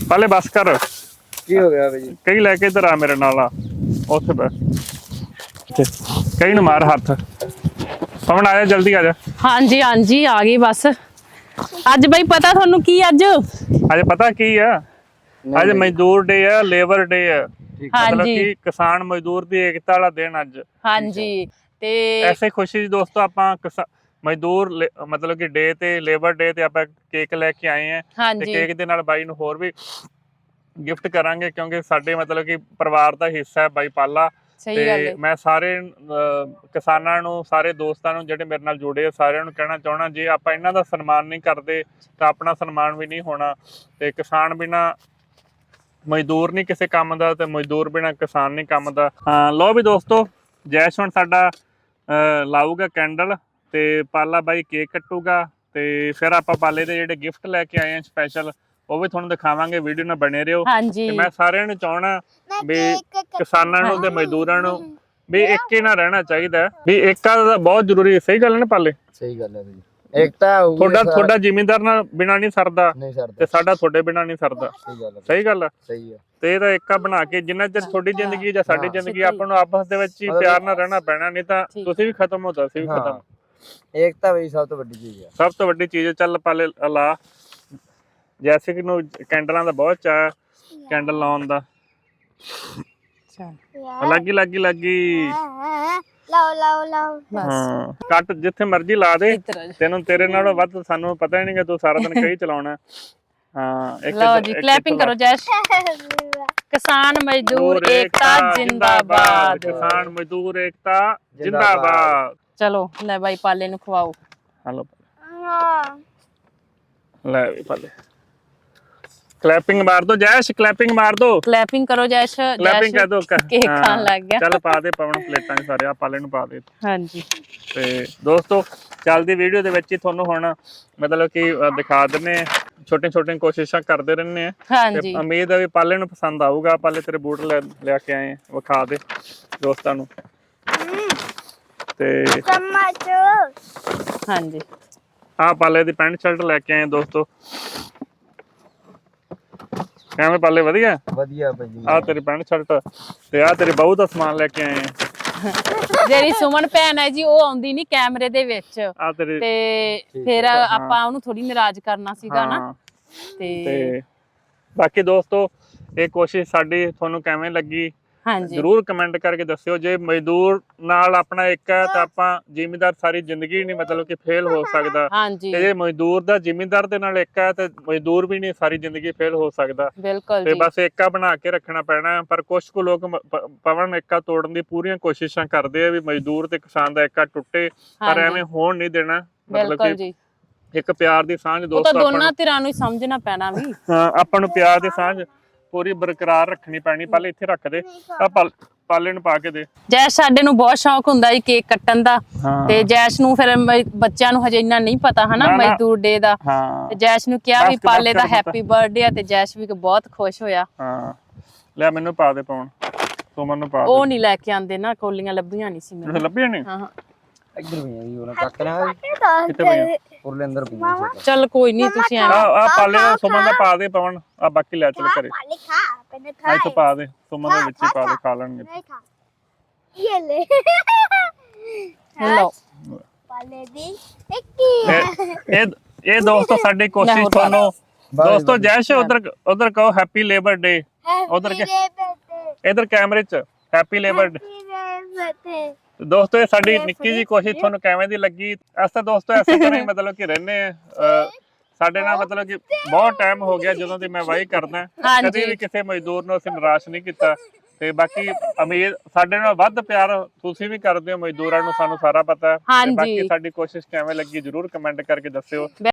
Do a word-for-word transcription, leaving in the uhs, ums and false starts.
पाले बस कर की हो गया भाई कई लेके इधर आ मेरे नाल आ उथे बस कई न मार हाथ पवन आजा जल्दी आजा। हाँ जी हाँ जी आ गई बस। अज बई पता थानू की अज अज पता की है अज मजदूर डे है लेबर डे है हाँ मतलब जी कि किसान मजदूर दी एकता वाला दिन अज। हाँ जी ते ऐसे खुशी दोस्तों आपां मजदूर मतलब कि डे ते लेबर डे ते आपां केक लेके आए हैं हाँ ते जी केक दे नाल बाई नूं होर भी गिफ्ट करांगे क्योंकि साडे मतलब कि परिवार दा हिस्सा है बाई पाला। सही ते गल है मैं सारे किसानां नूं सारे दोस्तां नूं जिहड़े मेरे नाल जुड़े सारिआं नूं कहना चाहुंदा जे आपां इन्हां दा सन्मान नहीं करदे तां अपना सन्मान भी नहीं होना ते किसान बिना मजदूर नहीं किसी काम का ते मजदूर बिना किसान नहीं काम का। हाँ लो भी दोस्तों जैश हुण साडा लाऊगा कैंडल ते पाला बाई केक कट्टूगा ते फिर आपां पाले दे जिहड़े गिफ्ट लैके आए हैं स्पैशल वो भी तुहानूं दिखावांगे वीडियो नाल बने रहिओ। हाँ जी ते मैं सारिआं नूं चाहुंदा भी किसानां नूं ते मजदूरां नूं भी एक ही ना रहना चाहिए भी एकता दा बहुत जरूरी है। सही गल है ना पाले सही गल है भाई एकता होगी थोड़ा थोड़ा जिमींदार ना बिना नहीं सरदा नहीं सरदा ते साडा थोड़े बिना नहीं सरदा। सही गल है सही गल है सही है ਤੇ ਇਹਦਾ ਏਕਾ ਬਣਾ ਕੇ ਜਿੰਨਾ ਚਿਰ ਤੁਹਾਡੀ ਜ਼ਿੰਦਗੀ ਜਾਂ ਸਾਡੀ ਜ਼ਿੰਦਗੀ ਆਪਾਂ ਨੂੰ ਆਪਸ ਦੇ ਵਿੱਚ ਹੀ ਪਿਆਰ ਨਾਲ ਰਹਿਣਾ ਪੈਣਾ ਨਹੀਂ ਤਾਂ ਤੁਸੀਂ ਵੀ ਖਤਮ ਹੋ ਜਾਓ ਅਸੀਂ ਵੀ ਖਤਮ। एकता भाई सब तो बड़ी चीज है ਸਭ ਤੋਂ ਵੱਡੀ ਚੀਜ਼ ਚੱਲ ਪਾਲੇ ਲਾ ਜੈਸੇ ਕਿ ਨੂੰ ਕੈਂਡਲਾਂ ਦਾ ਬਹੁਤ ਚਾਅ ਕੈਂਡਲ ਲਾਉਣ ਦਾ ਲੱਗੀ ਲੱਗੀ ਲੱਗੀ ਲਾਓ ਲਾਓ ਲਾਓ ਹਾਂ ਕੱਟ ਜਿੱਥੇ ਮਰਜ਼ੀ ਲਾ ਦੇ ਤੈਨੂੰ ਤੇਰੇ ਨਾਲੋਂ ਵੱਧ ਸਾਨੂੰ ਪਤਾ ਹੀ ਨਹੀਂ ਕਿ ਤੂੰ ਸਾਰਾ ਦਿਨ ਕਹੀ ਚਲਾਉਣਾ। हाँ एक लो जी क्लैपिंग करो जैश। किसान मजदूर एकता जिंदाबाद किसान मजदूर एकता जिंदाबाद। चलो ले भाई पाले नु खवाओ। हेलो ले भी पाले क्लैपिंग मार दो जैश क्लैपिंग मार दो क्लैपिंग करो जैश क्लैपिंग कर दो केक खान लग गया चल पा दे पवन प्लेटां सारे आ पाले नु पा दे। हां जी ਤੇ ਦੋਸਤੋ ਚੱਲਦੀ ਵੀਡੀਓ ਦੇ ਵਿੱਚ ਹੀ ਤੁਹਾਨੂੰ ਹੁਣ ਮਤਲਬ ਕਿ ਦਿਖਾ ਦਿੰਨੇ ਛੋਟੇ ਛੋਟੇ ਕੋਸ਼ਿਸ਼ਾਂ ਕਰਦੇ ਰਹਿੰਦੇ ਆ। ਹਾਂਜੀ ਉਮੀਦ ਹੈ ਵੀ ਪਾਲੇ ਨੂੰ ਪਸੰਦ ਆਊਗਾ। ਪਾਲੇ ਤੇਰੇ ਬੂਟ ਲੈ ਲਿਆ ਕੇ ਆਏ ਵਿਖਾ ਦੇ ਦੋਸਤਾਂ ਨੂੰ ਤੇ ਚਮਚ ਹਾਂਜੀ ਆ ਪਾਲੇ ਦੀ ਪੈਂਟ ਸ਼ਰਟ ਲੈ ਕੇ ਆਏ ਦੋਸਤੋ। ਕਿਵੇਂ ਪਾਲੇ ਵਧੀਆ ਵਧੀਆ ਭਾਜੀ ਆ ਤੇਰੀ ਪੈਂਟ ਸ਼ਰਟ ਤੇ ਆ ਤੇਰੀ ਬਹੂ ਦਾ ਸਮਾਨ ਲੈ ਕੇ ਆਏ ਆ। ਜਿਹੜੀ ਸੁਮਨ ਭੈਣ ਹੈ ਜੀ ਉਹ ਆਉਂਦੀ ਨਹੀਂ ਕੈਮਰੇ ਦੇ ਵਿੱਚ ਆ ਤੇਰੀ ਤੇ ਫਿਰ ਆਪਾਂ ਉਹਨੂੰ ਥੋੜੀ ਨਾਰਾਜ਼ ਕਰਨਾ ਸੀਗਾ ਨਾ ਤੇ ਬਾਕੀ ਦੋਸਤੋ ਇਹ ਕੋਸ਼ਿਸ਼ ਸਾਡੀ ਤੁਹਾਨੂੰ ਕਿਵੇਂ ਲੱਗੀ ਹਾਂਜੀ ਜਰੂਰ ਕਮੈਂਟ ਕਰਕੇ ਦੱਸਿਓ। ਜੇ ਮਜ਼ਦੂਰ ਨਾਲ ਆਪਣਾ ਇੱਕ ਹੈ ਤਾਂ ਆਪਾਂ ਜ਼ਿਮੀਂਦਾਰ ਸਾਰੀ ਜ਼ਿੰਦਗੀ ਨਹੀਂ ਮਤਲਬ ਕਿ ਫੇਲ ਹੋ ਸਕਦਾ ਹਾਂਜੀ ਤੇ ਜੇ ਮਜ਼ਦੂਰ ਦਾ ਜ਼ਿਮੀਂਦਾਰ ਦੇ ਨਾਲ ਇੱਕ ਹੈ ਤੇ ਮਜ਼ਦੂਰ ਵੀ ਨਹੀਂ ਸਾਰੀ ਜ਼ਿੰਦਗੀ ਫੇਲ ਹੋ ਸਕਦਾ। ਬਿਲਕੁਲ ਤੇ ਜੀ ਬਸ ਏਕਾ ਬਣਾ ਕੇ ਰੱਖਣਾ ਪੈਣਾ। ਪਰ ਕੁਝ ਕੁ ਲੋਕ ਪਵਨ ਏਕਾ ਤੋੜਨ ਦੀ ਪੂਰੀਆਂ ਕੋਸ਼ਿਸ਼ਾਂ ਕਰਦੇ ਆ ਵੀ ਮਜ਼ਦੂਰ ਤੇ ਕਿਸਾਨ ਦਾ ਏਕਾ ਟੁੱਟੇ ਪਰ ਐਵੇਂ ਹੋਣ ਨਹੀਂ ਦੇਣਾ। ਮਤਲਬ ਕਿ ਇੱਕ ਪਿਆਰ ਦੀ ਸਾਂਝ ਦੋਸਤੋ ਆਪਾਂ ਦੋਨਾਂ ਧਿਰਾਂ ਨੂੰ ਸਮਝਣਾ ਪੈਣਾ ਵੀ ਹਾਂ ਆਪਾਂ ਨੂੰ ਪਿਆਰ ਦੀ ਸਾਂਝ ਪੂਰੀ ਬਰਕਰਾਰ ਰੱਖਣੀ ਪੈਣੀ। ਪਹਿਲੇ ਇੱਥੇ ਰੱਖ ਦੇ ਆ ਪਾਲੇ ਨੂੰ ਪਾ ਕੇ ਦੇ। ਜੈਸ਼ ਸਾਡੇ ਨੂੰ ਬਹੁਤ ਸ਼ੌਕ ਹੁੰਦਾ ਜੀ ਕੇਕ ਕੱਟਣ ਦਾ ਤੇ ਜੈਸ਼ ਨੂੰ ਫਿਰ ਬੱਚਿਆਂ ਨੂੰ ਹਜੇ ਇੰਨਾ ਨਹੀਂ ਪਤਾ ਹਨਾ ਮਜ਼ਦੂਰ ਡੇ ਦਾ ਤੇ ਜੈਸ਼ ਨੂੰ ਕਿਹਾ ਵੀ ਪਾਲੇ ਦਾ ਹੈਪੀ ਬਰਥਡੇ ਆ ਤੇ ਜੈਸ਼ ਵੀ ਬਹੁਤ ਖੁਸ਼ ਹੋਇਆ। ਹਾਂ ਲੈ ਮੈਨੂੰ ਪਾ ਦੇ ਪਾਉਣ ਸੁਮਨ ਨੂੰ ਪਾ ਦੇ। ਉਹ ਨਹੀਂ ਲੈ ਕੇ ਆਂਦੇ ਨਾ ਕੋਲੀਆਂ ਲੱਭੀਆਂ ਨਹੀਂ ਸੀ ਮੈਨੂੰ ਲੱਭੀਆਂ ਨਹੀਂ। ਹਾਂ ਇੱਧਰ ਵੀ ਆਈ ਉਹਨਾਂ ਕੱਟ ਨਾ ਕਿੱਥੇ ਪਈਆਂ ਉਰਲੇ ਅੰਦਰ ਪਈਆਂ ਚੱਲ ਕੋਈ ਨਹੀਂ ਤੁਸੀਂ ਆ ਆ ਪਾਲੇ ਦਾ ਸੁਮਨ ਦਾ ਪਾ ਦੇ ਪਵਨ ਆ ਬਾਕੀ ਲੈ ਚੱਲ ਘਰੇ ਪਾਲੇ ਖਾ ਪਹਿਲੇ ਖਾ ਇੱਥੇ ਪਾ ਦੇ ਸੁਮਨ ਦੇ ਵਿੱਚ ਹੀ ਪਾ ਦੇ ਖਾ ਲੈਣਗੇ। ਨਹੀਂ ਖਾ ਇਹ ਲੈ ਲਓ ਪਾਲੇ ਦੀ ਇੱਕ ਇਹ ਇਹ ਦੋਸਤੋ ਸਾਡੀ ਕੋਸ਼ਿਸ਼ ਤੁਹਾਨੂੰ ਦੋਸਤੋ ਜੈਸ਼ ਉਧਰ ਉਧਰ ਕਹੋ ਹੈਪੀ ਲੇਬਰ ਡੇ ਉਧਰ ਕੇ ਇਧਰ ਕੈਮਰੇ 'ਚ ਹੈਪੀ ਲੇਬਰ ਡੇ। ਦੋਸਤੋ ਇਹ ਸਾਡੀ ਨਿੱਕੀ ਜੀ ਕੋਸ਼ਿਸ਼ ਤੁਹਾਨੂੰ ਕਿਵੇਂ ਦੀ ਲੱਗੀ। ਅਸਾਂ ਦੋਸਤੋ ਐਸੇ ਤਰ੍ਹਾਂ ਹੀ ਮਤਲਬ ਕਿ ਰਹਿੰਦੇ ਆ ਸਾਡੇ ਨਾਲ ਮਤਲਬ ਕਿ ਬਹੁਤ ਟਾਈਮ ਹੋ ਗਿਆ ਜਦੋਂ ਦੀ ਮੈਂ ਵਾਹੀ ਕਰਦਾ ਕਦੇ ਵੀ ਕਿਸੇ ਮਜ਼ਦੂਰ ਨੂੰ ਅਸੀਂ ਨਿਰਾਸ਼ ਨਹੀਂ ਕੀਤਾ ਤੇ ਬਾਕੀ ਉਮੀਦ ਸਾਡੇ ਨਾਲ ਵੱਧ ਪਿਆਰ ਤੁਸੀਂ ਵੀ ਕਰਦੇ ਹੋ ਮਜ਼ਦੂਰਾਂ ਨੂੰ ਸਾਨੂੰ ਸਾਰਾ ਪਤਾ ਹੈ। ਬਾਕੀ ਸਾਡੀ ਕੋਸ਼ਿਸ਼ ਕਿਵੇਂ ਲੱਗੀ ਜਰੂਰ ਕਮੈਂਟ ਕਰਕੇ ਦੱਸਿਓ।